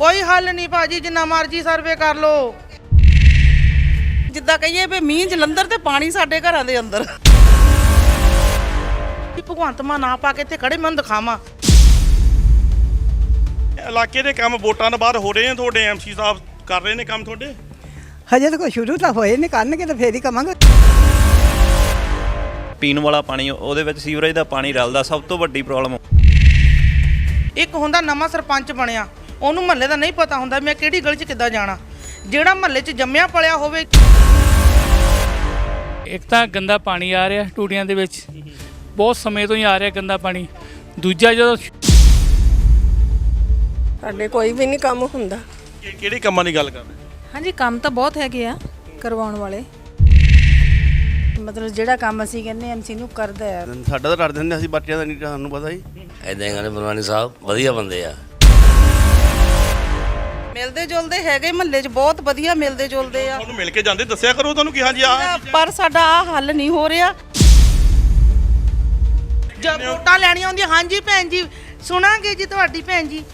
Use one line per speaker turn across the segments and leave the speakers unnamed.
ਕੋਈ ਹੱਲ ਨਹੀਂ ਭਾਜੀ, ਜਿੰਨਾ ਮਰਜ਼ੀ ਸਰਵੇ ਕਰ ਲਓ। ਜਿੱਦਾਂ ਕਹੀਏ ਵੀ ਮੀਂਹ ਜਲੰਧਰ ਤੇ ਪਾਣੀ ਸਾਡੇ ਘਰਾਂ ਦੇ ਅੰਦਰ। ਭਗਵੰਤ ਮਾਨ ਨਾ ਪਾ ਕੇ ਇੱਥੇ ਖੜੇ ਮੈਨੂੰ ਦਿਖਾਵਾਂ।
ਇਲਾਕੇ ਦੇ ਕੰਮ ਵੋਟਾਂ ਤੋਂ ਬਾਅਦ ਹੋ ਰਹੇ ਨੇ, ਤੁਹਾਡੇ ਐਮਸੀ ਸਾਹਿਬ ਕਰ ਰਹੇ ਨੇ ਕੰਮ ਤੁਹਾਡੇ?
ਹਜੇ ਤਾਂ ਕੋਈ ਸ਼ੁਰੂ ਤਾਂ ਹੋਏ ਨਹੀਂ, ਕਰਨਗੇ ਤਾਂ ਫੇਰ ਹੀ ਕਵਾਂਗੇ।
ਪੀਣ ਵਾਲਾ ਪਾਣੀ ਉਹਦੇ ਵਿੱਚ ਸੀਵਰੇਜ ਦਾ ਪਾਣੀ ਰਲਦਾ, ਸਭ ਤੋਂ ਵੱਡੀ ਪ੍ਰੋਬਲਮ।
ਇੱਕ ਹੁੰਦਾ ਨਵਾਂ ਸਰਪੰਚ ਬਣਿਆ, ਉਹਨੂੰ ਮਹੱਲੇ ਦਾ ਨਹੀਂ ਪਤਾ ਹੁੰਦਾ ਮੈਂ ਕਿਹੜੀ ਗਲੀ 'ਚ ਕਿੱਦਾਂ ਜਾਣਾ। ਜਿਹੜਾ ਮਹੱਲੇ 'ਚ ਜੰਮਿਆ ਪਲਿਆ ਹੋਵੇ।
ਇੱਕ ਤਾਂ ਗੰਦਾ ਪਾਣੀ ਆ ਰਿਹਾ ਟੂਟੀਆਂ ਦੇ ਵਿੱਚ, ਬਹੁਤ ਸਮੇਂ ਤੋਂ ਹੀ ਆ ਰਿਹਾ ਗੰਦਾ ਪਾਣੀ। ਦੂਜਾ ਜਦੋਂ
ਸਾਡੇ ਕੋਈ ਵੀ ਨਹੀਂ ਕੰਮ ਹੁੰਦਾ।
ਕਿਹੜੇ ਕੰਮਾਂ ਦੀ ਗੱਲ ਕਰ ਰਹੇ?
ਹਾਂਜੀ, ਕੰਮ ਤਾਂ ਬਹੁਤ ਹੈਗੇ ਆ ਕਰਵਾਉਣ ਵਾਲੇ। ਮਤਲਬ ਜਿਹੜਾ ਕੰਮ ਅਸੀਂ ਕਹਿੰਦੇ ਐਮਸੀ ਨੂੰ ਕਰਦਾ ਹੈ।
ਸਾਡਾ ਤਾਂ ਕਰ ਦਿੰਦੇ, ਅਸੀਂ ਬੱਚਿਆਂ ਦਾ ਨਹੀਂ, ਸਾਨੂੰ ਪਤਾ ਹੀ।
ਐਦਾਂ ਹੀ ਕਹਿੰਦੇ ਬਲਵਾਨੀ ਸਾਹਿਬ ਵਧੀਆ ਬੰਦੇ ਆ।
ਮਿਲਦੇ ਜੁਲਦੇ ਹੈਗੇ ਮਹੱਲੇ 'ਚ, ਬਹੁਤ ਵਧੀਆ ਮਿਲਦੇ ਜੁਲਦੇ ਆ।
ਤੁਹਾਨੂੰ ਮਿਲ ਕੇ ਜਾਂਦੇ, ਦੱਸਿਆ ਕਰੋ ਤੁਹਾਨੂੰ ਕਿ ਹਾਂਜੀ ਆ।
ਪਰ ਸਾਡਾ ਆ ਹੱਲ ਨਹੀਂ ਹੋ ਰਿਹਾ। ਜਦ ਵੋਟਾਂ ਲੈਣੀਆਂ ਹੁੰਦੀਆਂ, ਹਾਂਜੀ ਭੈਣ ਜੀ ਸੁਣਾਂਗੇ ਜੀ ਤੁਹਾਡੀ ਭੈਣ ਜੀ।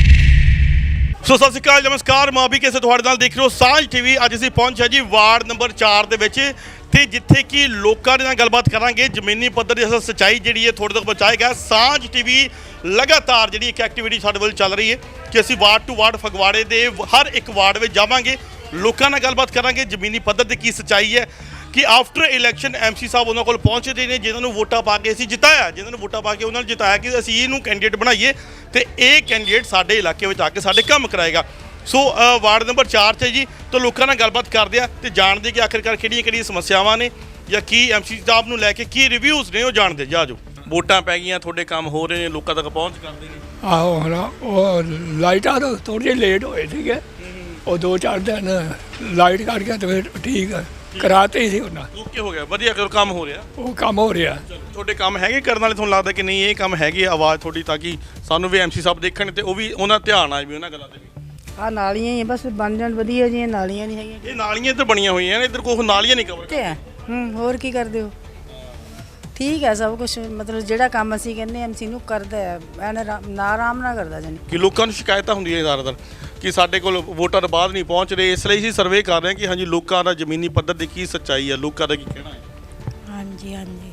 ਸੋ ਸਤਿ ਸ਼੍ਰੀ ਅਕਾਲ, ਨਮਸਕਾਰ। ਮੈਂ ਵੀ ਕਿਸੇ ਤੁਹਾਡੇ ਨਾਲ ਦੇਖ ਰਹੇ ਹੋ ਸਾਂਝ ਟੀਵੀ। ਅੱਜ ਅਸੀਂ ਪਹੁੰਚਿਆ ਜੀ ਵਾਰਡ ਨੰਬਰ 4 ਦੇ ਵਿੱਚ, ਤੇ ਜਿੱਥੇ ਕਿ ਲੋਕਾਂ ਦੇ ਨਾਲ ਗੱਲਬਾਤ ਕਰਾਂਗੇ। ਜ਼ਮੀਨੀ ਪੱਧਰ ਦੀ ਅਸਲ ਸੱਚਾਈ ਜਿਹੜੀ ਹੈ ਤੁਹਾਡੇ ਤੱਕ ਪਹੁੰਚਾਏਗਾ। ਸਾਂਝ ਟੀਵੀ ਲਗਾਤਾਰ ਜਿਹੜੀ ਇੱਕ ਐਕਟੀਵਿਟੀ ਸਾਡੇ ਵੱਲ ਚੱਲ ਰਹੀ ਹੈ ਕਿ ਅਸੀਂ ਵਾਰਡ ਟੂ ਵਾਰਡ ਫਗਵਾੜੇ ਦੇ ਹਰ ਇੱਕ ਵਾਰਡ ਵਿੱਚ ਜਾਵਾਂਗੇ, ਲੋਕਾਂ ਨਾਲ ਗੱਲਬਾਤ ਕਰਾਂਗੇ ਜ਼ਮੀਨੀ ਪੱਧਰ ਤੇ ਕੀ ਸੱਚਾਈ ਹੈ ਕਿ ਆਫਟਰ ਇਲੈਕਸ਼ਨ ਐਮਸੀ ਸਾਹਿਬ ਉਹਨਾਂ ਕੋਲ ਪਹੁੰਚਦੇ ਨੇ ਜਿਨ੍ਹਾਂ ਨੂੰ ਵੋਟਾਂ ਪਾ ਕੇ ਅਸੀਂ ਜਿਤਾਇਆ, ਜਿਨ੍ਹਾਂ ਨੂੰ ਵੋਟਾਂ ਪਾ ਕੇ ਉਹਨਾਂ ਨੂੰ ਜਿਤਾਇਆ ਕਿ ਅਸੀਂ ਇਹਨੂੰ ਕੈਂਡੀਡੇਟ ਬਣਾਈਏ ਤੇ ਇਹ ਕੈਂਡੀਡੇਟ ਸਾਡੇ ਇਲਾਕੇ ਵਿੱਚ ਆ ਕੇ ਸਾਡੇ ਕੰਮ ਕਰਾਏਗਾ। ਸੋ ਵਾਰਡ ਨੰਬਰ 4 'ਚ ਜੀ, ਤਾਂ ਲੋਕਾਂ ਨਾਲ ਗੱਲਬਾਤ ਕਰਦੇ ਆ ਤੇ ਜਾਣਦੇ ਕਿ ਆਖਿਰਕਾਰ ਕਿਹੜੀਆਂ ਸਮੱਸਿਆਵਾਂ ਨੇ ਜਾਂ ਕੀ ਐਮਸੀ ਸਾਹਿਬ ਨੂੰ ਲੈ ਕੇ ਕੀ ਰਿਵਿਊਜ਼ ਨੇ, ਉਹ ਜਾਣਦੇ। ਜਾ ਜੋ ਵੋਟਾਂ ਪੈ ਗਈਆਂ, ਤੁਹਾਡੇ ਕੰਮ ਹੋ ਰਹੇ ਨੇ, ਲੋਕਾਂ ਤੱਕ ਪਹੁੰਚ ਕਰਦੇ ਨੇ।
ਆਹੋ ਹੁਣ ਉਹ ਲਾਈਟਾਂ ਤੋਂ ਥੋੜ੍ਹੇ ਜਿਹੇ ਲੇਟ ਹੋਏ ਸੀਗੇ, ਉਹ 2-4 ਦਿਨ ਲਾਈਟ ਕੱਟ ਗਿਆ ਤੇ ਫਿਰ ਠੀਕ ਹੈ, ਕਰਾਤੇ ਸੀ ਉਹਨਾਂ।
ਓਕੇ ਹੋ ਗਿਆ, ਵਧੀਆ ਕਰੋ, ਕੰਮ ਹੋ ਰਿਹਾ।
ਉਹ ਕੰਮ ਹੋ ਰਿਹਾ।
ਤੁਹਾਡੇ ਕੰਮ ਹੈਗੇ ਕਰਨ ਵਾਲੇ, ਤੁਹਾਨੂੰ ਲੱਗਦਾ ਕਿ ਨਹੀਂ ਇਹ ਕੰਮ ਹੈਗੇ ਆਵਾਜ਼ ਤੁਹਾਡੀ, ਤਾਂ ਕਿ ਸਾਨੂੰ ਵੀ ਐਮਸੀ ਸਾਹਿਬ ਦੇਖਣ ਤੇ ਉਹ ਵੀ ਉਹਨਾਂ ਧਿਆਨ ਆਏ ਵੀ ਉਹਨਾਂ ਗੱਲਾਂ ਤੇ ਵੀ।
ਆ ਨਾਲੀਆਂ ਹੀ ਬਸ ਬਣ ਜਾਣ ਵਧੀਆ ਜੀਆਂ, ਨਾਲੀਆਂ ਨਹੀਂ ਹੈਗੀਆਂ।
ਇਹ ਨਾਲੀਆਂ ਇੱਧਰ ਬਣੀਆਂ ਹੋਈਆਂ ਨੇ, ਇੱਧਰ ਕੋਈ ਨਾਲੀਆਂ ਨਹੀਂ ਕਵਰ
ਤੇ ਹੋਰ ਕੀ ਕਰਦੇ ਹੋ? ਠੀਕ ਹੈ ਸਭ ਕੁਝ, ਮਤਲਬ ਜਿਹੜਾ ਕੰਮ ਅਸੀਂ ਕਹਿੰਦੇ ਐਮਸੀ ਨੂੰ ਕਰਦਾ ਹੈ, ਐਨ ਆਰਾਮ ਨਾਲ ਕਰਦਾ। ਜਾਨੀ
ਕਿ ਲੋਕਾਂ ਨੂੰ ਸ਼ਿਕਾਇਤਾਂ ਹੁੰਦੀਆਂ ਜ਼ਿਆਦਾਤਰ ਕਿ ਸਾਡੇ ਕੋਲ ਵੋਟਾਂ ਤੋਂ ਬਾਅਦ ਨਹੀਂ ਪਹੁੰਚ ਰਹੇ, ਇਸ ਲਈ ਅਸੀਂ ਸਰਵੇ ਕਰ ਰਹੇ ਹਾਂ ਕਿ ਹਾਂਜੀ ਲੋਕਾਂ ਦਾ ਜ਼ਮੀਨੀ ਪੱਧਰ ਦੀ ਕੀ ਸੱਚਾਈ ਹੈ, ਲੋਕਾਂ ਦਾ ਕੀ ਕਹਿਣਾ ਹੈ।
ਹਾਂਜੀ ਹਾਂਜੀ,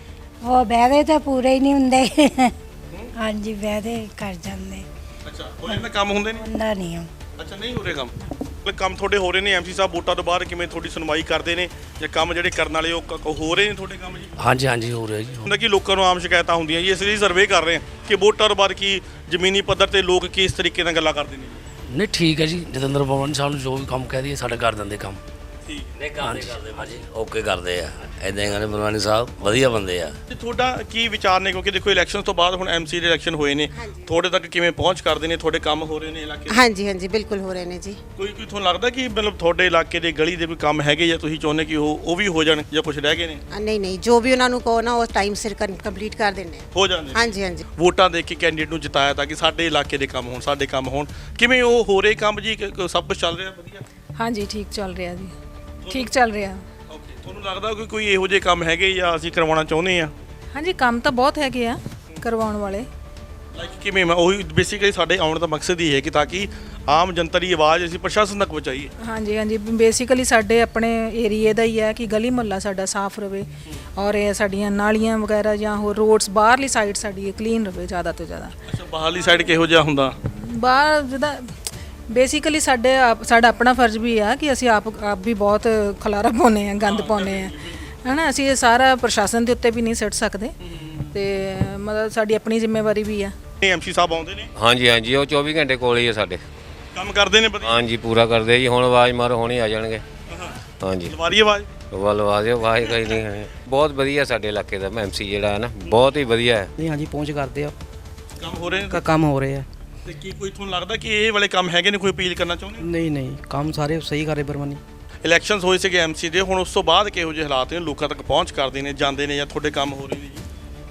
ਉਹ ਵਾਅਦੇ ਤਾਂ ਪੂਰੇ ਹੀ ਨਹੀਂ ਹੁੰਦੇ। ਹਾਂਜੀ, ਵਾਅਦੇ ਕਰ ਜਾਂਦੇ।
ਅੱਛਾ, ਉਹ ਇਹਨਾਂ ਕੰਮ ਹੁੰਦੇ ਨਹੀਂ?
ਹੁੰਦਾ ਨਹੀਂ।
ਅੱਛਾ, ਨਹੀਂ ਹੋ ਰਹੇ ਕੰਮ। ਕੰਮ ਤੁਹਾਡੇ ਹੋ ਰਹੇ ਨੇ, ਐਮਸੀ ਸਾਹਿਬ ਵੋਟਾਂ ਤੋਂ ਬਾਅਦ ਕਿਵੇਂ ਤੁਹਾਡੀ ਸੁਣਵਾਈ ਕਰਦੇ ਨੇ ਜਾਂ ਕੰਮ ਜਿਹੜੇ ਕਰਨ ਵਾਲੇ ਉਹ ਹੋ ਰਹੇ ਨੇ ਤੁਹਾਡੇ ਕੰਮ ਜੀ?
ਹਾਂਜੀ ਹਾਂਜੀ ਹੋ ਰਿਹਾ ਜੀ।
ਹੁੰਦਾ ਕਿ ਲੋਕਾਂ ਨੂੰ ਆਮ ਸ਼ਿਕਾਇਤਾਂ ਹੁੰਦੀਆਂ ਜੀ, ਇਸ ਲਈ ਸਰਵੇ ਕਰ ਰਹੇ ਹਾਂ ਕਿ ਵੋਟਾਂ ਤੋਂ ਬਾਅਦ ਕੀ ਜ਼ਮੀਨੀ ਪੱਧਰ ਤੇ ਲੋਕ ਕਿਸ ਤਰੀਕੇ ਨਾਲ ਗੱਲਾਂ ਕਰਦੇ ਨੇ।
ਨਹੀਂ ਠੀਕ ਹੈ ਜੀ, ਜਤਿੰਦਰ ਭਵਨ ਸਾਹਿਬ ਨੂੰ ਜੋ ਵੀ ਕੰਮ ਕਹਿ ਦਈਏ ਸਾਡੇ ਕਰ ਦਿੰਦੇ ਕੰਮ।
ਠੀਕ
ਨਹੀਂ ਕਰਦੇ ਭਾਜੀ, ਓਕੇ ਕਰਦੇ ਆ। ਐਦਾਂ ਹੀ ਕਹਿੰਦੇ ਬਲਵਾਨੀ ਸਾਹਿਬ ਵਧੀਆ ਬੰਦੇ ਆ।
ਤੇ ਤੁਹਾਡਾ ਕੀ ਵਿਚਾਰ ਨੇ, ਕਿਉਂਕਿ ਦੇਖੋ ਇਲੈਕਸ਼ਨ ਤੋਂ ਬਾਅਦ ਹੁਣ ਐਮਸੀ ਦੇ ਇਲੈਕਸ਼ਨ ਹੋਏ ਨੇ, ਤੁਹਾਡੇ ਤੱਕ ਕਿਵੇਂ ਪਹੁੰਚ ਕਰਦੇ ਨੇ, ਤੁਹਾਡੇ ਕੰਮ ਹੋ ਰਹੇ ਨੇ ਇਲਾਕੇ ਦੇ?
ਹਾਂਜੀ ਹਾਂਜੀ ਬਿਲਕੁਲ ਹੋ ਰਹੇ ਨੇ ਜੀ।
ਕੋਈ ਤੁਹਾਨੂੰ ਲੱਗਦਾ ਕਿ ਮਤਲਬ ਤੁਹਾਡੇ ਇਲਾਕੇ ਦੇ ਗਲੀ ਦੇ ਕੋਈ ਕੰਮ ਹੈਗੇ ਜਾਂ ਤੁਸੀਂ ਚਾਹੁੰਦੇ ਕਿ ਉਹ ਵੀ ਹੋ ਜਾਣ ਜਾਂ ਕੁਝ ਰਹਿ ਗਏ ਨੇ?
ਨਹੀਂ ਨਹੀਂ, ਜੋ ਵੀ ਉਹਨਾਂ ਨੂੰ ਕਹੋ ਨਾ ਉਹ ਟਾਈਮ ਸਿਰ ਕੰਪਲੀਟ ਕਰ ਦਿੰਦੇ
ਹੋ ਜਾਂਦੇ ਨੇ।
ਹਾਂਜੀ ਹਾਂਜੀ,
ਵੋਟਾਂ ਦੇ ਕੇ ਕੈਂਡੀਡੇਟ ਨੂੰ ਜਿਤਾਇਆ ਤਾਂ ਕਿ ਸਾਡੇ ਇਲਾਕੇ ਦੇ ਕੰਮ ਹੋਣ, ਸਾਡੇ ਕੰਮ ਹੋਣ। ਕਿਵੇਂ ਉਹ ਹੋ ਰਹੇ ਕੰਮ ਜੀ? ਸਭ ਕੁਝ ਚੱਲ ਰਿਹਾ ਵਧੀਆ?
ਹਾਂਜੀ, ਠੀਕ ਚੱਲ ਰਿਹਾ ਜੀ, ਠੀਕ ਚੱਲ ਰਿਹਾ।
ਓਕੇ, ਤੁਹਾਨੂੰ ਲੱਗਦਾ ਕਿ ਕੋਈ ਇਹੋ ਜਿਹੇ ਕੰਮ ਹੈਗੇ ਜਾਂ ਅਸੀਂ ਕਰਵਾਉਣਾ ਚਾਹੁੰਦੇ ਆ?
ਹਾਂਜੀ, ਕੰਮ ਤਾਂ ਬਹੁਤ ਹੈਗੇ ਆ ਕਰਵਾਉਣ ਵਾਲੇ।
ਲਾਈਕ ਕਿਵੇਂ? ਮੈਂ ਉਹੀ ਬੇਸਿਕਲੀ ਸਾਡੇ ਆਉਣ ਦਾ ਮਕਸਦ ਹੀ ਹੈ ਕਿ ਤਾਂ ਕਿ ਆਮ ਜਨਤਾ ਦੀ ਆਵਾਜ਼ ਅਸੀਂ ਪ੍ਰਸ਼ਾਸਨ ਤੱਕ ਪਹੁੰਚਾਈਏ।
ਹਾਂਜੀ ਹਾਂਜੀ, ਬੇਸਿਕਲੀ ਸਾਡੇ ਆਪਣੇ ਏਰੀਏ ਦਾ ਹੀ ਹੈ ਕਿ ਗਲੀ ਮੁਹੱਲਾ ਸਾਡਾ ਸਾਫ਼ ਰਵੇ ਔਰ ਇਹ ਸਾਡੀਆਂ ਨਾਲੀਆਂ ਵਗੈਰਾ ਜਾਂ ਹੋਰ ਰੋਡਸ ਬਾਹਰਲੀ ਸਾਈਡ ਸਾਡੀ ਕਲੀਨ ਰਵੇ ਜ਼ਿਆਦਾ ਤੋਂ ਜ਼ਿਆਦਾ।
ਅੱਛਾ, ਬਾਹਰਲੀ ਸਾਈਡ ਕਿਹੋ ਜਿਹਾ ਹੁੰਦਾ?
ਬਾਹਰ ਜਿੱਦਾਂ ਬੇਸਿਕਲੀ ਸਾਡਾ ਆਪਣਾ ਫਰਜ਼ ਵੀ ਆ ਕਿ ਅਸੀਂ ਆਪ ਵੀ ਬਹੁਤ ਖਲਾਰਾ ਪਾਉਂਦੇ ਆ, ਗੰਦ ਪਾਉਂਦੇ ਆ, ਹੈ ਨਾ। ਅਸੀਂ ਇਹ ਸਾਰਾ ਪ੍ਰਸ਼ਾਸਨ ਦੇ ਉੱਤੇ ਵੀ ਨਹੀਂ ਸੁੱਟ ਸਕਦੇ, ਤੇ ਮਤਲਬ ਸਾਡੀ ਆਪਣੀ ਜ਼ਿੰਮੇਵਾਰੀ ਵੀ ਆ।
ਐਮਸੀ ਸਾਹਿਬ ਆਉਂਦੇ ਨੇ?
ਹਾਂਜੀ ਹਾਂਜੀ, ਉਹ 24 ਘੰਟੇ ਕੋਲ ਹੀ ਆ ਸਾਡੇ।
ਕੰਮ ਕਰਦੇ ਨੇ ਵਧੀਆ?
ਹਾਂਜੀ, ਪੂਰਾ ਕਰਦੇ ਜੀ। ਹੁਣ ਆਵਾਜ਼ ਮਾਰੋ, ਹੁਣੇ ਆ ਜਾਣਗੇ। ਹਾਂਜੀ,
ਲਵਾਰੀ ਆਵਾਜ਼
ਲਵਾ ਦਿਓ ਆਵਾਜ਼। ਕੋਈ ਨਹੀਂ, ਬਹੁਤ ਵਧੀਆ ਸਾਡੇ ਇਲਾਕੇ ਦਾ ਐਮਸੀ ਜਿਹੜਾ ਹੈ ਨਾ, ਬਹੁਤ ਹੀ ਵਧੀਆ ਹੈ।
ਨਹੀਂ ਹਾਂਜੀ, ਪਹੁੰਚ ਕਰਦੇ ਆ,
ਕੰਮ ਹੋ ਰਹੇ ਨੇ?
ਕੰਮ ਹੋ ਰਹੇ ਆ।
ਤੇ ਕੀ ਕੋਈ ਤੁਹਾਨੂੰ ਲੱਗਦਾ ਕਿ ਇਹ ਵਾਲੇ ਕੰਮ ਹੈਗੇ ਨੇ, ਕੋਈ ਅਪੀਲ ਕਰਨਾ ਚਾਹੁੰਦੇ?
ਨਹੀਂ ਨਹੀਂ, ਕੰਮ ਸਾਰੇ ਸਹੀ ਕਰ ਰਹੇ ਬਰਮਾਨੀ।
ਇਲੈਕਸ਼ਨਸ ਹੋਏ ਸੀਗੇ ਐਮਸੀ ਦੇ, ਹੁਣ ਉਸ ਤੋਂ ਬਾਅਦ ਕਿਹੋ ਜਿਹੇ ਹਾਲਾਤ ਨੇ, ਲੋਕਾਂ ਤੱਕ ਪਹੁੰਚ ਕਰਦੇ ਨੇ, ਜਾਂਦੇ ਨੇ, ਜਾਂ ਤੁਹਾਡੇ ਕੰਮ ਹੋ ਰਹੇ ਨੇ ਜੀ?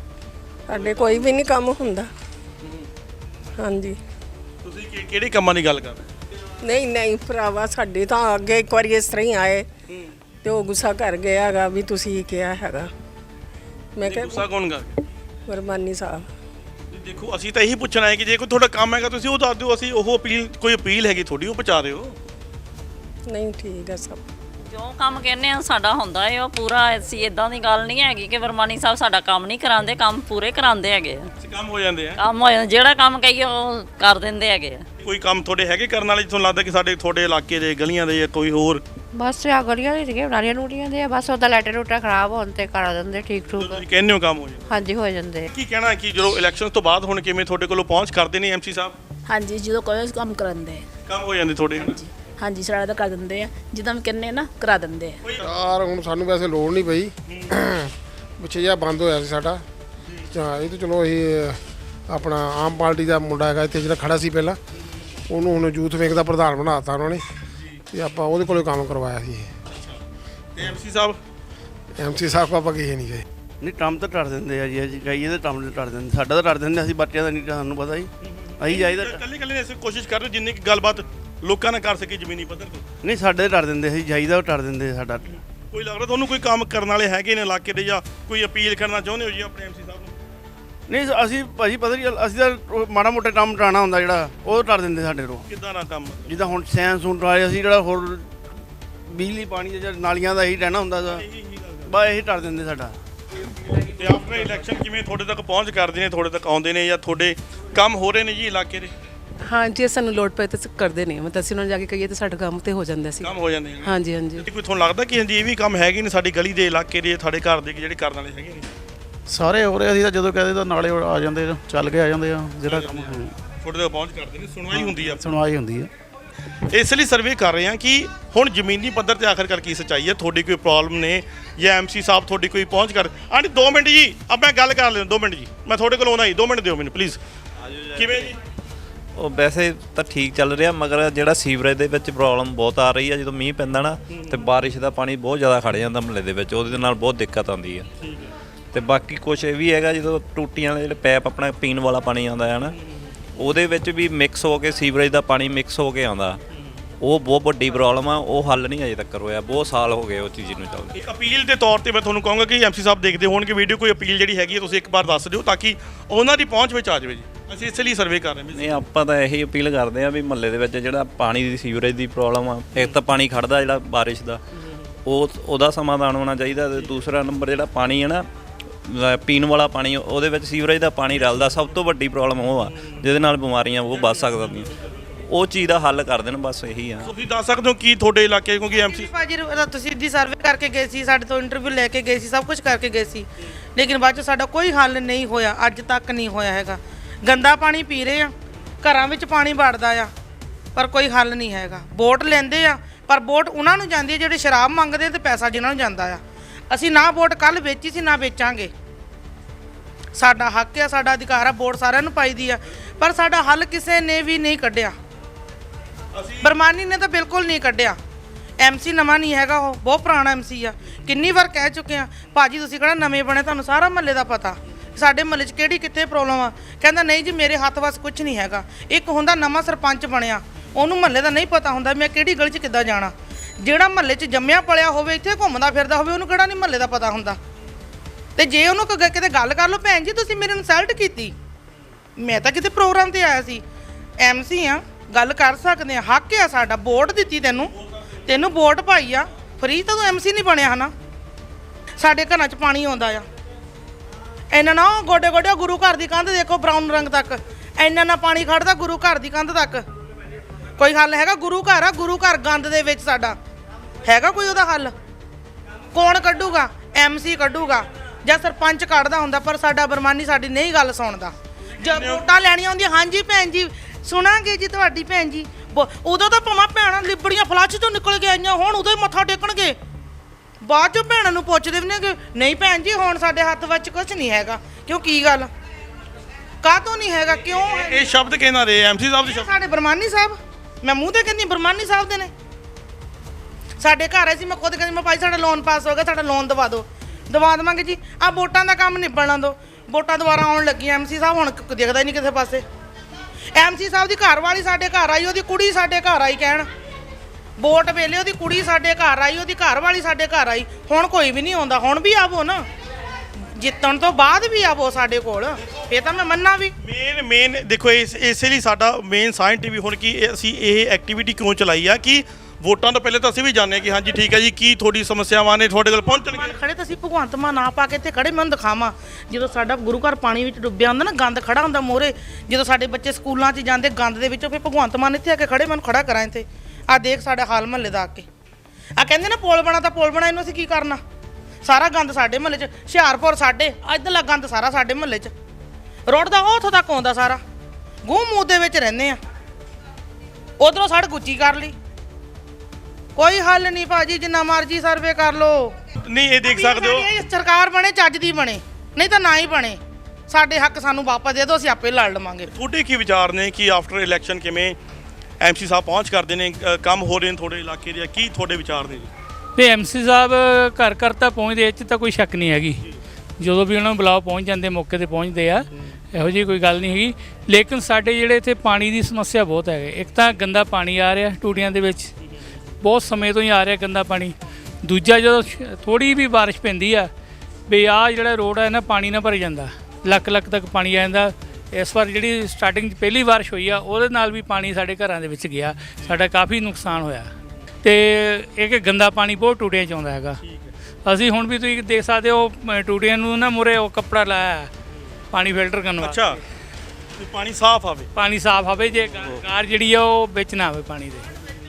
ਸਾਡੇ ਕੋਈ ਵੀ ਨਹੀਂ ਕੰਮ ਹੁੰਦਾ। ਹਾਂਜੀ,
ਤੁਸੀਂ ਕਿਹੜੇ ਕੰਮਾਂ ਦੀ ਗੱਲ ਕਰ ਰਹੇ?
ਨਹੀਂ ਨਹੀਂ ਭਰਾਵਾ, ਸਾਡੇ ਤਾਂ ਅੱਗੇ ਇੱਕ ਵਾਰੀ ਇਸ ਤਰ੍ਹਾਂ ਹੀ ਆਏ ਤੇ ਉਹ ਗੁੱਸਾ ਕਰ ਗਿਆ ਹੈਗਾ ਵੀ ਤੁਸੀਂ ਕਿਹਾ ਹੈਗਾ। ਮੈਂ ਕਿਹਾ
ਗੁੱਸਾ ਕੌਣ ਕਰ?
ਬਰਮਾਨੀ ਸਾਹਿਬ।
ਦੇਖੋ ਅਸੀਂ ਤਾਂ ਇਹੀ ਪੁੱਛਣਾ ਹੈ ਕਿ ਜੇ ਕੋਈ ਤੁਹਾਡਾ ਕੰਮ ਹੈਗਾ ਤੁਸੀਂ ਉਹ ਦੱਸ ਦਿਓ, ਅਸੀਂ ਉਹ ਅਪੀਲ ਕੋਈ ਅਪੀਲ ਹੈਗੀ ਤੁਹਾਡੀ ਉਹ ਪਹੁੰਚਾ ਦਿਓ।
ਨਹੀਂ ਠੀਕ ਹੈ ਸਭ।
ਜੋ ਕੰਮ ਕਹਿੰਦੇ ਆ ਸਾਡਾ ਹੁੰਦਾ ਹੈ ਉਹ ਪੂਰਾ। ਅਸੀਂ ਇਦਾਂ ਦੀ ਗੱਲ ਨਹੀਂ ਹੈਗੀ ਕਿ ਵਰਮਾਨੀ ਸਾਹਿਬ ਸਾਡਾ ਕੰਮ ਨਹੀਂ ਕਰਾਉਂਦੇ, ਕੰਮ ਪੂਰੇ ਕਰਾਉਂਦੇ ਹੈਗੇ ਆ।
ਕੰਮ ਹੋ ਜਾਂਦੇ ਆ,
ਕੰਮ ਹੋ ਜਾਂਦਾ, ਜਿਹੜਾ ਕੰਮ ਕਹੀਏ ਉਹ ਕਰ ਦਿੰਦੇ ਹੈਗੇ ਆ।
ਕੋਈ ਕੰਮ ਤੁਹਾਡੇ ਹੈਗੇ ਕਰਨ ਵਾਲੇ ਤੁਹਾਨੂੰ ਲੱਗਦਾ ਕਿ ਸਾਡੇ ਤੁਹਾਡੇ ਇਲਾਕੇ ਦੇ ਗਲੀਆਂ ਦੇ ਜਾਂ ਕੋਈ ਹੋਰ?
ਬਸ ਆ ਗਲੀਆਂ ਦੇ ਸੀਗੇ ਨਾਲੀਆਂ ਨੂੜੀਆਂ ਦੇ ਆ, ਬਸ ਉਹਦਾ ਲੈਟਰ ਰੂਟਾ ਖਰਾਬ ਹੋਣ ਤੇ ਕਰਾ ਦਿੰਦੇ ਠੀਕ ਠੂਕ।
ਤੁਸੀਂ ਕਹਿੰਦੇ ਹੋ ਕੰਮ ਹੋ ਜਾਂਦਾ?
ਹਾਂਜੀ ਹੋ ਜਾਂਦੇ।
ਕੀ ਕਹਿਣਾ ਹੈ ਕਿ ਜਦੋਂ ਇਲੈਕਸ਼ਨ ਤੋਂ ਬਾਅਦ ਹੁਣ ਕਿਵੇਂ ਤੁਹਾਡੇ ਕੋਲੋਂ ਪਹੁੰਚ ਕਰਦੇ ਨੇ ਐਮਸੀ ਸਾਹਿਬ?
ਹਾਂਜੀ, ਜਦੋਂ ਕੋਈ ਕੰਮ ਕਰਾਉਂਦੇ
ਕੰਮ ਹੋ ਜਾਂਦੇ ਤੁਹਾਡੇ?
ਹਾਂਜੀ ਸਾਡਾ ਤਾਂ ਕਰ ਦਿੰਦੇ ਆ, ਜਿੱਦਾਂ ਵੀ ਕਹਿੰਦੇ ਆ ਨਾ ਕਰਾ ਦਿੰਦੇ ਆ।
ਯਾਰ ਹੁਣ ਸਾਨੂੰ ਵੈਸੇ ਲੋੜ ਨਹੀਂ ਪਈ, ਪਿੱਛੇ ਜਿਹਾ ਬੰਦ ਹੋਇਆ ਸੀ ਸਾਡਾ। ਇਹ ਤਾਂ ਚਲੋ ਅਸੀਂ ਆਪਣਾ ਆਮ ਪਾਰਟੀ ਦਾ ਮੁੰਡਾ ਹੈਗਾ ਇੱਥੇ ਜਿਹੜਾ ਖੜਾ ਸੀ ਪਹਿਲਾਂ, ਉਹਨੂੰ ਹੁਣ ਯੂਥ ਵਿੰਗ ਦਾ ਪ੍ਰਧਾਨ ਬਣਾਤਾ ਉਹਨਾਂ ਨੇ, ਤੇ ਆਪਾਂ ਉਹਦੇ ਕੋਲੋਂ ਕੰਮ ਕਰਵਾਇਆ ਸੀ।
ਤੇ ਐਮਸੀ ਸਾਹਿਬ?
ਐਮਸੀ ਸਾਹਿਬ ਕੋਲ ਆਪਾਂ ਗਏ ਨਹੀਂ ਗਏ।
ਨਹੀਂ ਟਰਮ ਤਾਂ ਟੱਟ ਦਿੰਦੇ ਆ ਜੀ, ਅਸੀਂ ਕਹੀਏ ਤਾਂ ਟਰਮ ਟੱਟ ਦਿੰਦੇ, ਸਾਡਾ ਤਾਂ ਟੱਟ ਦਿੰਦੇ, ਅਸੀਂ ਬੱਚਿਆਂ ਦਾ ਨਹੀਂ ਸਾਨੂੰ ਪਤਾ ਜੀ। ਅਸੀਂ ਜਾਈਦਾ
ਇਕੱਲੇ ਅਸੀਂ ਕੋਸ਼ਿਸ਼ ਕਰ ਰਹੇ ਜਿੰਨੀ ਕੁ ਗੱਲਬਾਤ ਲੋਕਾਂ ਨਾਲ ਕਰ ਸਕੇ ਜ਼ਮੀਨੀ ਪੱਧਰ ਤੇ।
ਨਹੀਂ ਸਾਡੇ ਟੱਟ ਦਿੰਦੇ, ਅਸੀਂ ਜਾਈਦਾ ਉਹ ਟੱਟ ਦਿੰਦੇ ਸਾਡਾ।
ਕੋਈ ਲੱਗਦਾ ਤੁਹਾਨੂੰ ਕੋਈ ਕੰਮ ਕਰਨ ਵਾਲੇ ਹੈਗੇ ਨੇ ਇਲਾਕੇ ਦੇ ਜਾਂ ਕੋਈ ਅਪੀਲ ਕਰਨਾ ਚਾਹੁੰਦੇ ਹੋ ਜੀ ਆਪਣੇ ਐਮਸੀ ਸਾਹਿਬ ਨੂੰ?
ਨਹੀਂ ਅਸੀਂ ਭਾਜੀ ਪਤਾ ਨਹੀਂ, ਅਸੀਂ ਤਾਂ ਮਾੜਾ ਮੋਟਾ ਕੰਮ ਟਾਣਾ ਹੁੰਦਾ ਜਿਹੜਾ ਉਹ ਟੱਟ ਦਿੰਦੇ ਸਾਡੇ ਤੋਂ।
ਕਿੱਦਾਂ ਦਾ ਕੰਮ?
ਜਿੱਦਾਂ ਹੁਣ ਸੈਂਸ ਸੁਣ ਰਹੇ ਅਸੀਂ ਜਿਹੜਾ ਹੋਰ ਬਿਜਲੀ ਪਾਣੀ ਜਾਂ ਨਾਲੀਆਂ ਦਾ ਇਹੀ ਰਹਿਣਾ ਹੁੰਦਾ ਵਾ, ਬਸ ਇਹੀ ਟੱਟ ਦਿੰਦੇ ਸਾਡਾ।
ਤੇ ਆਫਟਰ ਇਲੈਕਸ਼ਨ ਕਿਵੇਂ ਤੁਹਾਡੇ ਤੱਕ ਪਹੁੰਚ ਕਰਦੇ ਨੇ, ਤੁਹਾਡੇ ਤੱਕ ਆਉਂਦੇ ਨੇ ਜਾਂ ਤੁਹਾਡੇ ਕੰਮ ਹੋ ਰਹੇ ਨੇ ਜੀ ਇਲਾਕੇ ਦੇ?
ਹਾਂ ਜੇ ਸਾਨੂੰ ਲੋੜ ਪਏ ਤਾਂ ਕਰਦੇ ਨਹੀਂ, ਮਤਲਬ ਅਸੀਂ ਉਹਨਾਂ ਨੂੰ ਜਾ ਕੇ ਕਹੀਏ ਤਾਂ ਸਾਡਾ ਕੰਮ ਤੇ ਹੋ ਜਾਂਦਾ ਸੀ।
ਕੰਮ ਹੋ ਜਾਂਦੇ ਨੇ?
ਹਾਂਜੀ ਹਾਂਜੀ।
ਤੇ ਕੋਈ ਤੁਹਾਨੂੰ ਲੱਗਦਾ ਕਿ ਹਾਂਜੀ ਇਹ ਵੀ ਕੰਮ ਹੈਗੇ ਨੇ ਸਾਡੀ ਗਲੀ ਦੇ ਇਲਾਕੇ ਦੇ ਤੁਹਾਡੇ ਘਰ ਦੇ ਜਿਹੜੇ ਕਰਨ ਵਾਲੇ ਹੈਗੇ ਨੇ?
ਸਾਰੇ ਹੋ ਰਹੇ ਅਸੀਂ ਤਾਂ ਜਦੋਂ ਕਹਦੇ ਤਾਂ ਨਾਲੇ ਆ ਜਾਂਦੇ, ਚੱਲ ਕੇ ਆ ਜਾਂਦੇ ਆ, ਜਿਹੜਾ ਕੰਮ
ਤੁਹਾਡੇ ਤੱਕ ਪਹੁੰਚ ਕਰਦੇ ਨੇ, ਸੁਣਵਾਈ ਹੁੰਦੀ ਆ?
ਸੁਣਵਾਈ ਹੁੰਦੀ ਆ।
ਇਸ ਲਈ ਸਰਵੇ ਕਰ ਰਹੇ ਹਾਂ ਕਿ ਹੁਣ ਜ਼ਮੀਨੀ ਪੱਧਰ ਤੇ ਆਖਰਕਾਰ ਕੀ ਸੱਚਾਈ ਹੈ, ਤੁਹਾਡੀ ਕੋਈ ਪ੍ਰੋਬਲਮ ਨੇ ਜਾਂ ਐਮਸੀ ਸਾਹਿਬ ਤੁਹਾਡੀ ਕੋਈ ਪਹੁੰਚ ਕਰ। ਆਂਟੀ 2 ਮਿੰਟ ਜੀ, ਮੈਂ ਗੱਲ ਕਰ ਲੈਣ 2 ਮਿੰਟ ਜੀ, ਮੈਂ ਤੁਹਾਡੇ ਕੋਲ ਆਉਣਾ ਜੀ, 2 ਮਿੰਟ ਦਿਓ ਮੈਨੂੰ ਪਲੀਜ਼। ਕਿਵੇਂ ਜੀ?
ਉਹ ਵੈਸੇ ਤਾਂ ਠੀਕ ਚੱਲ ਰਿਹਾ, ਮਗਰ ਜਿਹੜਾ ਸੀਵਰੇਜ ਦੇ ਵਿੱਚ ਪ੍ਰੋਬਲਮ ਬਹੁਤ ਆ ਰਹੀ ਆ। ਜਦੋਂ ਮੀਂਹ ਪੈਂਦਾ ਨਾ ਤੇ ਬਾਰਿਸ਼ ਦਾ ਪਾਣੀ ਬਹੁਤ ਜ਼ਿਆਦਾ ਖੜ ਜਾਂਦਾ ਮਹੱਲੇ ਦੇ ਵਿੱਚ, ਉਹਦੇ ਨਾਲ ਬਹੁਤ ਦਿੱਕਤ ਆਉਂਦੀ ਆ। ਤੇ ਬਾਕੀ ਕੁਛ ਇਹ ਵੀ ਹੈਗਾ, ਜਦੋਂ ਟੂਟੀਆਂ ਵਾਲੇ ਜਿਹੜੇ ਪੈਪ ਆਪਣਾ ਪੀਣ ਵਾਲਾ ਪਾਣੀ ਆਉਂਦਾ ਹੈ ਨਾ, ਉਹਦੇ ਵਿੱਚ ਵੀ ਮਿਕਸ ਹੋ ਕੇ ਸੀਵਰੇਜ ਦਾ ਪਾਣੀ ਮਿਕਸ ਹੋ ਕੇ ਆਉਂਦਾ, ਉਹ ਬਹੁਤ ਵੱਡੀ ਪ੍ਰੋਬਲਮ ਆ। ਉਹ ਹੱਲ ਨਹੀਂ ਅਜੇ ਤੱਕ ਹੋਇਆ, ਬਹੁਤ ਸਾਲ ਹੋ ਗਏ ਉਹ ਚੀਜ਼ ਨੂੰ ਚੱਲਦੇ।
ਇੱਕ ਅਪੀਲ ਦੇ ਤੌਰ ਤੇ ਮੈਂ ਤੁਹਾਨੂੰ ਕਹਾਂਗਾ ਕਿ ਐਮਸੀ ਸਾਹਿਬ ਦੇਖਦੇ ਹੋਣਗੇ ਵੀਡੀਓ, ਕੋਈ ਅਪੀਲ ਜਿਹੜੀ ਹੈਗੀ ਹੈ ਤੁਸੀਂ ਇੱਕ ਵਾਰ ਦੱਸ ਦਿਓ ਤਾਂ ਕਿ ਉਹਨਾਂ ਦੀ ਪਹੁੰਚ ਵਿੱਚ ਆ ਜਾਵੇ ਜੀ। ਅਸੀਂ ਇਸ ਲਈ ਸਰਵੇ ਕਰ ਰਹੇ ਹਾਂ।
ਨਹੀਂ ਆਪਾਂ ਤਾਂ ਇਹੀ ਅਪੀਲ ਕਰਦੇ ਆ ਵੀ ਮਹੱਲੇ ਦੇ ਵਿੱਚ ਜਿਹੜਾ ਪਾਣੀ ਦੀ ਸੀਵਰੇਜ ਦੀ ਪ੍ਰੋਬਲਮ ਆ, ਇੱਕ ਤਾਂ ਪਾਣੀ ਖੜਦਾ ਜਿਹੜਾ ਬਾਰਿਸ਼ ਦਾ, ਉਹਦਾ ਸਮਾਧਾਨ ਹੋਣਾ ਚਾਹੀਦਾ। ਤੇ ਦੂਸਰਾ ਨੰਬਰ ਜਿਹੜਾ ਪਾਣੀ ਹੈ ਨਾ ਪੀਣ ਵਾਲਾ ਪਾਣੀ, ਉਹਦੇ ਵਿੱਚ ਸੀਵਰੇਜ ਦਾ ਪਾਣੀ ਰਲਦਾ, ਸਭ ਤੋਂ ਵੱਡੀ ਪ੍ਰੋਬਲਮ ਉਹ ਆ ਜਿਹਦੇ ਨਾਲ ਬਿਮਾਰੀਆਂ ਉਹ ਵੱਧ ਸਕਦੀਆਂ। ਉਹ ਚੀਜ਼ ਦਾ ਹੱਲ ਕਰ ਦੇਣ, ਬਸ ਇਹੀ ਆ।
ਤੁਸੀਂ ਦੱਸ ਸਕਦੇ ਹੋ ਕੀ ਤੁਹਾਡੇ ਇਲਾਕੇ, ਕਿਉਂਕਿ ਐਮਸੀ
ਭਾਜੀ ਤੁਸੀਂ ਦੀ ਸਰਵੇ ਕਰਕੇ ਗਏ ਸੀ, ਸਾਡੇ ਤੋਂ ਇੰਟਰਵਿਊ ਲੈ ਕੇ ਗਏ ਸੀ, ਸਭ ਕੁਝ ਕਰਕੇ ਗਏ ਸੀ, ਲੇਕਿਨ ਬਾਅਦ 'ਚ ਸਾਡਾ ਕੋਈ ਹੱਲ ਨਹੀਂ ਹੋਇਆ, ਅੱਜ ਤੱਕ ਨਹੀਂ ਹੋਇਆ ਹੈਗਾ। ਗੰਦਾ ਪਾਣੀ ਪੀ ਰਹੇ ਆ, ਘਰਾਂ ਵਿੱਚ ਪਾਣੀ ਵੜਦਾ ਆ, ਪਰ ਕੋਈ ਹੱਲ ਨਹੀਂ ਹੈਗਾ। ਵੋਟ ਲੈਂਦੇ ਆ ਪਰ ਵੋਟ ਉਹਨਾਂ ਨੂੰ ਜਾਂਦੀ ਹੈ ਜਿਹੜੇ ਸ਼ਰਾਬ ਮੰਗਦੇ ਤੇ ਪੈਸਾ ਜਿਹਨਾਂ ਨੂੰ ਜਾਂਦਾ ਆ। ਅਸੀਂ ਨਾ ਵੋਟ ਕੱਲ ਵੇਚੀ ਸੀ ਨਾ ਵੇਚਾਂਗੇ, ਸਾਡਾ ਹੱਕ ਆ, ਸਾਡਾ ਅਧਿਕਾਰ ਆ, ਵੋਟ ਸਾਰਿਆਂ ਨੂੰ ਪਾਈਦੀ ਆ, ਪਰ ਸਾਡਾ ਹੱਲ ਕਿਸੇ ਨੇ ਵੀ ਨਹੀਂ ਕੱਢਿਆ। ਬਰਮਾਨੀ ਨੇ ਤਾਂ ਬਿਲਕੁਲ ਨਹੀਂ ਕੱਢਿਆ। ਐਮਸੀ ਨਵਾਂ ਨਹੀਂ ਹੈਗਾ, ਉਹ ਬਹੁਤ ਪੁਰਾਣਾ ਐਮਸੀ ਆ। ਕਿੰਨੀ ਵਾਰ ਕਹਿ ਚੁੱਕੇ ਆ, ਭਾਜੀ ਤੁਸੀਂ ਕਿਹੜਾ ਨਵੇਂ ਬਣੇ, ਤੁਹਾਨੂੰ ਸਾਰਾ ਮਹੱਲੇ ਦਾ ਪਤਾ, ਸਾਡੇ ਮਹੱਲੇ 'ਚ ਕਿਹੜੀ ਕਿੱਥੇ ਪ੍ਰੋਬਲਮ ਆ। ਕਹਿੰਦਾ ਨਹੀਂ ਜੀ ਮੇਰੇ ਹੱਥ ਵੱਸ ਕੁਝ ਨਹੀਂ ਹੈਗਾ। ਇੱਕ ਹੁੰਦਾ ਨਵਾਂ ਸਰਪੰਚ ਬਣਿਆ, ਉਹਨੂੰ ਮਹੱਲੇ ਦਾ ਨਹੀਂ ਪਤਾ ਹੁੰਦਾ ਮੈਂ ਕਿਹੜੀ ਗਲੀ 'ਚ ਕਿੱਦਾਂ ਜਾਣਾ। ਜਿਹੜਾ ਮਹੱਲੇ 'ਚ ਜੰਮਿਆ ਪਲਿਆ ਹੋਵੇ, ਇੱਥੇ ਘੁੰਮਦਾ ਫਿਰਦਾ ਹੋਵੇ, ਉਹਨੂੰ ਕਿਹੜਾ ਨਹੀਂ ਮਹੱਲੇ ਦਾ ਪਤਾ ਹੁੰਦਾ। ਤੇ ਜੇ ਉਹਨੂੰ ਕਿਤੇ ਗੱਲ ਕਰ ਲਓ, ਭੈਣ ਜੀ ਤੁਸੀਂ ਮੇਰੇ ਇਨਸਲਟ ਕੀਤੀ, ਮੈਂ ਤਾਂ ਕਿਤੇ ਪ੍ਰੋਗਰਾਮ ਤੇ ਆਇਆ ਸੀ, ਐਮਸੀ ਆ, ਗੱਲ ਕਰ ਸਕਦੇ ਆ, ਹੱਕ ਆ ਸਾਡਾ। ਵੋਟ ਦਿੱਤੀ ਤੈਨੂੰ ਵੋਟ ਪਾਈ ਆ, ਫਰੀ ਤਾਂ ਤੂੰ ਐਮਸੀ ਨਹੀਂ ਬਣਿਆ ਹਨਾ। ਸਾਡੇ ਘਰਾਂ 'ਚ ਪਾਣੀ ਆਉਂਦਾ ਆ ਇੰਨਾ ਨਾ, ਗੋਡੇ ਗੋਡੇ ਗੁਰੂ ਘਰ ਦੀ ਕੰਧ ਦੇਖੋ ਬਰਾਊਨ ਰੰਗ ਤੱਕ, ਇੰਨਾ ਨਾ ਪਾਣੀ ਖੜਦਾ ਗੁਰੂ ਘਰ ਦੀ ਕੰਧ ਤੱਕ। ਕੋਈ ਹੱਲ ਹੈਗਾ? ਗੁਰੂ ਘਰ ਆ, ਗੁਰੂ ਘਰ ਗੰਦ ਦੇ ਵਿੱਚ ਸਾਡਾ ਹੈਗਾ ਕੋਈ ਉਹਦਾ ਹੱਲ? ਕੌਣ ਕੱਢੂਗਾ? ਐਮਸੀ ਕੱਢੂਗਾ ਜਾਂ ਸਰਪੰਚ ਕੱਢਦਾ ਹੁੰਦਾ, ਪਰ ਸਾਡਾ ਬਰਮਾਨੀ ਸਾਡੀ ਨਹੀਂ ਗੱਲ ਸੁਣਦਾ। ਜਦ ਵੋਟਾਂ ਲੈਣੀਆਂ ਹੁੰਦੀਆਂ, ਹਾਂਜੀ ਭੈਣ ਜੀ ਸੁਣਾਂਗੇ ਜੀ ਤੁਹਾਡੀ ਭੈਣ ਜੀ, ਉਦੋਂ ਤਾਂ ਭਾਵੇਂ ਭੈਣਾਂ ਲਿਬੜੀਆਂ ਫਲੱਸ਼ ਚੋਂ ਨਿਕਲ ਕੇ ਆਈਆਂ ਹੋਣ, ਉਦੋਂ ਹੀ ਮੱਥਾ ਟੇਕਣਗੇ। ਬਾਅਦ ਚੋਂ ਭੈਣਾਂ ਨੂੰ ਪੁੱਛਦੇ ਵੀ ਨੇ ਨਹੀਂ ਭੈਣ ਜੀ ਹੁਣ ਸਾਡੇ ਹੱਥ ਵਿੱਚ ਕੁਝ ਨਹੀਂ ਹੈਗਾ। ਕਿਉਂ, ਕੀ ਗੱਲ, ਕਾਹਤੋਂ ਨਹੀਂ ਹੈਗਾ, ਕਿਉਂ?
ਇਹ ਸ਼ਬਦ ਕਹਿਣਾ ਰਹੇ ਐਮਸੀ ਸਾਹਿਬ ਦੇ ਸ਼ਬਦ,
ਸਾਡੇ ਬਰਮਾਨੀ ਸਾਹਿਬ, ਮੈਂ ਮੂੰਹ ਤੇ ਕਹਿੰਦੀ ਬਰਮਾਨੀ ਸਾਹਿਬ ਦੇ ਨੇ। ਸਾਡੇ ਘਰ ਆਏ ਸੀ, ਮੈਂ ਖੁਦ ਕਹਿੰਦੀ ਮੈਂ ਭਾਈ ਸਾਡਾ ਲੋਨ ਪਾਸ ਹੋ ਗਿਆ, ਸਾਡਾ ਲੋਨ ਦਵਾ ਦੇਵਾਂਗੇ ਜੀ। ਆਹ ਵੋਟਾਂ ਦਾ ਕੰਮ ਨਿਬੜਨ ਦਿਓ, ਵੋਟਾਂ ਦੁਬਾਰਾ ਆਉਣ ਲੱਗੀਆਂ। ਐਮਸੀ ਸਾਹਿਬ ਹੁਣ ਦਿਖਦਾ ਹੀ ਨਹੀਂ ਕਿਸੇ ਪਾਸੇ। ਐਮਸੀ ਸਾਹਿਬ ਦੀ ਘਰ ਵਾਲੀ ਸਾਡੇ ਘਰ ਆਈ, ਉਹਦੀ ਕੁੜੀ ਸਾਡੇ ਘਰ ਆਈ, ਕਹਿਣ ਵੋਟ ਵੇਲੇ ਉਹਦੀ ਕੁੜੀ ਸਾਡੇ ਘਰ ਆਈ, ਉਹਦੀ ਘਰ ਵਾਲੀ ਸਾਡੇ ਘਰ ਆਈ। ਹੁਣ ਕੋਈ ਵੀ ਨਹੀਂ ਆਉਂਦਾ। ਹੁਣ ਵੀ ਆਵੋ ਨਾ, ਜਿੱਤਣ ਤੋਂ ਬਾਅਦ ਵੀ ਆਵੋ ਸਾਡੇ ਕੋਲ। ਇਹ ਤਾਂ ਮੈਂ ਮੰਨਾਂ ਵੀ।
ਮੇਨ ਦੇਖੋ ਇਸੇ ਲਈ ਸਾਡਾ ਮੇਨ ਸਾਇੰਸ ਟੀਵੀ ਹੁਣ ਕੀ ਅਸੀਂ ਇਹ ਐਕਟੀਵਿਟੀ ਕਿਉਂ ਚਲਾਈ ਆ ਕਿ ਵੋਟਾਂ ਤੋਂ ਪਹਿਲੇ ਤਾਂ ਅਸੀਂ ਵੀ ਜਾਣਦੇ ਹਾਂ ਕਿ ਹਾਂਜੀ ਠੀਕ ਹੈ ਜੀ ਕੀ ਤੁਹਾਡੀ ਸਮੱਸਿਆਵਾਂ ਨੇ ਤੁਹਾਡੇ ਕੋਲ ਪਹੁੰਚਣਗੇ।
ਖੜੇ ਤਾਂ ਅਸੀਂ ਭਗਵੰਤ ਮਾਨ ਨਾ ਪਾ ਕੇ ਇੱਥੇ ਖੜੇ ਮੈਨੂੰ ਦਿਖਾਵਾਂ ਜਦੋਂ ਸਾਡਾ ਗੁਰੂ ਘਰ ਪਾਣੀ ਵਿੱਚ ਡੁੱਬਿਆ ਹੁੰਦਾ ਨਾ ਗੰਦ ਖੜਾ ਹੁੰਦਾ ਮੋਰੇ ਜਦੋਂ ਸਾਡੇ ਬੱਚੇ ਸਕੂਲਾਂ 'ਚ ਜਾਂਦੇ ਗੰਦ ਦੇ ਵਿੱਚੋਂ ਫਿਰ ਭਗਵੰਤ ਮਾਨ ਇੱਥੇ ਆ ਕੇ ਖੜੇ ਮੈਨੂੰ ਖੜਾ ਕਰਾਂ ਇੱਥੇ ਆ ਦੇਖ ਸਾਡੇ ਹਾਲ ਮਹੱਲੇ ਦਾ ਆ ਕੇ ਆ ਕਹਿੰਦੇ ਨਾ ਪੁਲ ਬਣਾ ਤਾਂ ਪੁਲ ਬਣਾ ਇਹਨੂੰ ਅਸੀਂ ਕੀ ਕਰਨਾ ਸਾਰਾ ਗੰਦ ਸਾਡੇ ਮਹੱਲੇ 'ਚ ਹੁਸ਼ਿਆਰਪੁਰ ਸਾਡੇ ਇੱਧਰਲਾ ਗੰਦ ਸਾਰਾ ਸਾਡੇ ਮਹੱਲੇ 'ਚ ਰੋਡ ਦਾ ਉੱਥੋਂ ਤੱਕ ਆਉਂਦਾ ਸਾਰਾ ਗੂੰ ਮੂੰਹ ਦੇ ਵਿੱਚ ਰਹਿੰਦੇ ਆ ਉਧਰੋਂ ਸੜਕ ਉੱਚੀ ਕਰ ਲਈ ਕੋਈ ਹੱਲ ਨਹੀਂ ਭਾਜੀ ਜਿੰਨਾ ਮਰਜ਼ੀ ਸਰਵੇ ਕਰ ਲਓ
ਨਹੀਂ ਇਹ ਦੇਖ ਸਕਦੇ ਹੋ
ਇਹ ਸਰਕਾਰ ਬਣੇ ਚੱਜ ਦੀ ਬਣੇ ਨਹੀਂ ਤਾਂ ਨਾ ਹੀ ਬਣੇ ਸਾਡੇ ਹੱਕ ਸਾਨੂੰ ਵਾਪਸ ਦੇ ਦਿਓ ਅਸੀਂ ਆਪੇ ਲੜ ਲਵਾਂਗੇ।
ਤੁਹਾਡੇ ਕੀ ਵਿਚਾਰ ਨੇ ਕਿ ਆਫਟਰ ਇਲੈਕਸ਼ਨ ਕਿਵੇਂ ਐਮਸੀ ਸਾਹਿਬ ਪਹੁੰਚ ਕਰਦੇ ਨੇ ਕੰਮ ਹੋ ਰਹੇ ਨੇ ਤੁਹਾਡੇ ਇਲਾਕੇ ਦੇ ਕੀ ਤੁਹਾਡੇ ਵਿਚਾਰ ਨੇ ਜੀ?
ਨਹੀਂ ਐਮਸੀ ਸਾਹਿਬ ਘਰ ਘਰ ਤਾਂ ਪਹੁੰਚਦੇ ਇਹ 'ਚ ਤਾਂ ਕੋਈ ਸ਼ੱਕ ਨਹੀਂ ਹੈਗੀ ਜਦੋਂ ਵੀ ਉਹਨਾਂ ਨੂੰ ਬੁਲਾਓ ਪਹੁੰਚ ਜਾਂਦੇ ਮੌਕੇ ਤੇ ਪਹੁੰਚਦੇ ਆ ਇਹੋ ਜਿਹੀ ਕੋਈ ਗੱਲ ਨਹੀਂ ਹੈਗੀ ਲੇਕਿਨ ਸਾਡੇ ਜਿਹੜੇ ਇੱਥੇ ਪਾਣੀ ਦੀ ਸਮੱਸਿਆ ਬਹੁਤ ਹੈਗੇ ਇੱਕ ਤਾਂ ਗੰਦਾ ਪਾਣੀ ਆ ਰਿਹਾ ਟੂਟੀਆਂ ਦੇ ਵਿੱਚ ਬਹੁਤ ਸਮੇਂ ਤੋਂ ਹੀ ਆ ਰਿਹਾ ਗੰਦਾ ਪਾਣੀ ਦੂਜਾ ਜਦੋਂ ਥੋੜੀ ਵੀ ਬਾਰਿਸ਼ ਪੈਂਦੀ ਆ ਵੀ ਆਹ ਜਿਹੜਾ ਰੋਡ ਹੈ ਨਾ ਪਾਣੀ ਨਾਲ ਭਰ ਜਾਂਦਾ ਲੱਖ ਤੱਕ ਪਾਣੀ ਆ ਜਾਂਦਾ ਇਸ ਵਾਰ ਜਿਹੜੀ ਸਟਾਰਟਿੰਗ 'ਚ ਪਹਿਲੀ ਬਾਰਿਸ਼ ਹੋਈ ਆ ਉਹਦੇ ਨਾਲ ਵੀ ਪਾਣੀ ਸਾਡੇ ਘਰਾਂ ਦੇ ਵਿੱਚ ਗਿਆ ਸਾਡਾ ਕਾਫੀ ਨੁਕਸਾਨ ਹੋਇਆ ਤੇ ਇਹ ਗੰਦਾ ਪਾਣੀ ਬਹੁਤ ਟੂਟੀਆਂ 'ਚ ਆਉਂਦਾ ਹੈਗਾ ਅਸੀਂ ਹੁਣ ਵੀ ਤੁਸੀਂ ਦੇਖ ਸਕਦੇ ਹੋ ਟੂਟੀਆਂ ਨੂੰ ਨਾ ਮੂਹਰੇ ਉਹ ਕੱਪੜਾ ਲਾਇਆ ਪਾਣੀ ਫਿਲਟਰ ਕਰਨ ਵਾਸਤੇ
ਅੱਛਾ ਤੇ ਪਾਣੀ ਸਾਫ਼ ਆਵੇ
ਜੇ ਗਾਰ ਜਿਹੜੀ ਆ ਉਹ ਵਿੱਚ ਨਾ ਆਵੇ ਪਾਣੀ ਦੇ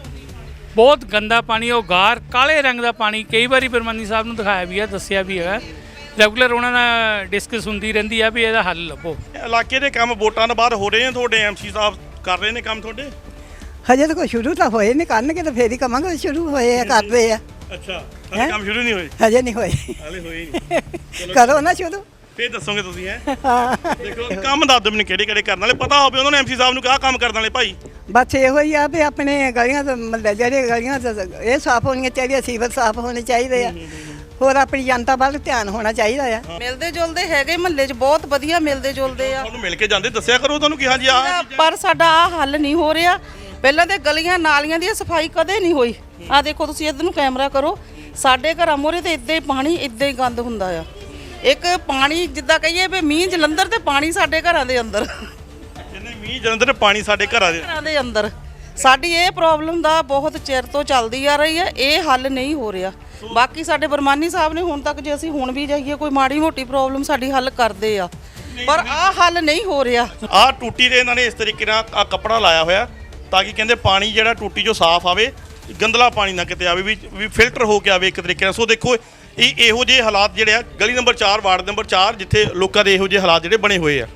ਬਹੁਤ ਗੰਦਾ ਪਾਣੀ ਉਹ ਗਾਰ ਕਾਲੇ ਰੰਗ ਦਾ ਪਾਣੀ ਕਈ ਵਾਰੀ ਪ੍ਰਬੰਧਕੀ ਸਾਹਿਬ ਨੂੰ ਦਿਖਾਇਆ ਵੀ ਆ ਦੱਸਿਆ ਵੀ ਹੈਗਾ ਰੈਗੂਲਰ ਉਹਨਾਂ ਨਾਲ ਡਿਸਕਸ ਹੁੰਦੀ ਰਹਿੰਦੀ ਆ ਵੀ ਇਹਦਾ ਹੱਲ ਲੱਭੋ।
ਇਲਾਕੇ ਦੇ ਕੰਮ ਵੋਟਾਂ ਤੋਂ ਬਾਅਦ ਹੋ ਰਹੇ ਨੇ ਤੁਹਾਡੇ ਐਮਸੀ ਸਾਹਿਬ ਕਰ ਰਹੇ ਨੇ ਕੰਮ ਤੁਹਾਡੇ?
ਹਜੇ ਤਾਂ ਕੋਈ ਸ਼ੁਰੂ ਤਾਂ ਹੋਏ ਨਹੀਂ ਕਰਨਗੇ ਤਾਂ ਫੇਰ ਹੀ ਕਵਾਂਗੇ ਸ਼ੁਰੂ ਹੋਏ ਆ ਕਰਦੇ ਆ।
ਅੱਛਾ ਹਲੇ ਕੰਮ ਸ਼ੁਰੂ ਨਹੀਂ ਹੋਏ?
ਹਜੇ ਨਹੀਂ ਹੋਏ।
ਹਲੇ ਹੋਏ ਨਹੀਂ
ਕਰੋ ਨਾ ਸ਼ੁਰੂ
ਫੇਰ ਦੱਸੋਗੇ ਤੁਸੀਂ ਹੈ ਦੇਖੋ ਕੰਮ ਦੱਸ ਦਿਓ ਮੈਨੂੰ ਕਿਹੜੇ ਕਰਨ ਵਾਲੇ ਪਤਾ ਹੋਵੇ ਉਹਨਾਂ ਨੇ ਐਮਸੀ ਸਾਹਿਬ ਨੂੰ ਕਿਹਾ ਕੰਮ ਕਰਨ ਵਾਲੇ ਭਾਈ
ਬਸ ਇਹੋ ਹੀ ਆ ਵੀ ਆਪਣੇ ਗਲੀਆਂ ਤੋਂ ਮਤਲਬ ਜਿਹੜੇ ਗਲੀਆਂ ਇਹ ਸਾਫ਼ ਹੋਣੀਆਂ ਚਾਹੀਦੀਆਂ ਸੀਵਰ ਸਾਫ਼ ਹੋਣੇ ਚਾਹੀਦੇ ਆ ਹੋਰ ਆਪਣੀ ਜਨਤਾ ਵੱਲ ਧਿਆਨ ਹੋਣਾ ਚਾਹੀਦਾ ਆ।
ਮਿਲਦੇ ਜੁਲਦੇ ਹੈਗੇ ਮਹੱਲੇ 'ਚ ਬਹੁਤ ਵਧੀਆ ਮਿਲਦੇ ਜੁਲਦੇ ਆ
ਤੁਹਾਨੂੰ ਮਿਲ ਕੇ ਜਾਂਦੇ ਦੱਸਿਆ ਕਰੋ ਤੁਹਾਨੂੰ ਕਿ ਹਾਂਜੀ ਆ
ਪਰ ਸਾਡਾ ਆ ਹੱਲ ਨਹੀਂ ਹੋ ਰਿਹਾ ਪਹਿਲਾਂ ਤੇ ਗਲੀਆਂ ਨਾਲੀਆਂ ਦੀ ਸਫਾਈ ਕਦੇ ਨਹੀਂ ਹੋਈ ਆ ਦੇਖੋ ਤੁਸੀਂ ਇੱਧਰ ਨੂੰ ਕੈਮਰਾ ਕਰੋ ਸਾਡੇ ਘਰਾਂ ਮੋਰੇ ਤੇ ਇੱਦਾਂ ਹੀ ਪਾਣੀ ਇੱਦਾਂ ਹੀ ਗੰਦ ਹੁੰਦਾ ਆ ਇੱਕ ਪਾਣੀ ਜਿੱਦਾਂ ਕਹੀਏ ਵੀ ਮੀਂਹ ਜਲੰਧਰ ਤੇ ਪਾਣੀ ਸਾਡੇ ਘਰਾਂ ਦੇ ਅੰਦਰ
ਮੀਂਹ ਜਲੰਧਰ ਪਾਣੀ ਸਾਡੇ ਘਰਾਂ ਦੇ
ਅੰਦਰ ਸਾਡੀ ਇਹ ਪ੍ਰੋਬਲਮ ਦਾ ਬਹੁਤ ਚਿਰ ਤੋਂ ਚੱਲਦੀ ਆ ਰਹੀ ਹੈ ਇਹ ਹੱਲ ਨਹੀਂ ਹੋ ਰਿਹਾ ਬਾਕੀ ਸਾਡੇ ਬਰਮਾਨੀ ਸਾਹਿਬ ਨੇ ਹੁਣ ਤੱਕ ਜੇ ਅਸੀਂ ਹੁਣ ਵੀ ਜਾਈਏ ਕੋਈ ਮਾੜੀ ਮੋਟੀ ਪ੍ਰੋਬਲਮ ਸਾਡੀ ਹੱਲ ਕਰਦੇ ਆ ਪਰ ਆਹ ਹੱਲ ਨਹੀਂ ਹੋ ਰਿਹਾ।
ਆਹ ਟੂਟੀ ਦੇ ਇਹਨਾਂ ਨੇ ਇਸ ਤਰੀਕੇ ਨਾਲ ਆ ਕੱਪੜਾ ਲਾਇਆ ਹੋਇਆ ਤਾਂ ਕਿ ਕਹਿੰਦੇ ਪਾਣੀ ਜਿਹੜਾ ਟੂਟੀ 'ਚੋਂ ਸਾਫ਼ ਆਵੇ ਗੰਦਲਾ ਪਾਣੀ ਨਾ ਕਿਤੇ ਆਵੇ ਵੀ ਫਿਲਟਰ ਹੋ ਕੇ ਆਵੇ ਇੱਕ ਤਰੀਕੇ ਨਾਲ। ਸੋ ਦੇਖੋ ਇਹੋ ਜਿਹੇ ਹਾਲਾਤ ਜਿਹੜੇ ਆ ਗਲੀ ਨੰਬਰ 4 ਵਾਰਡ ਨੰਬਰ 4 ਜਿੱਥੇ ਲੋਕਾਂ ਦੇ ਇਹੋ ਜਿਹੇ ਹਾਲਾਤ ਜਿਹੜੇ ਬਣੇ ਹੋਏ ਆ।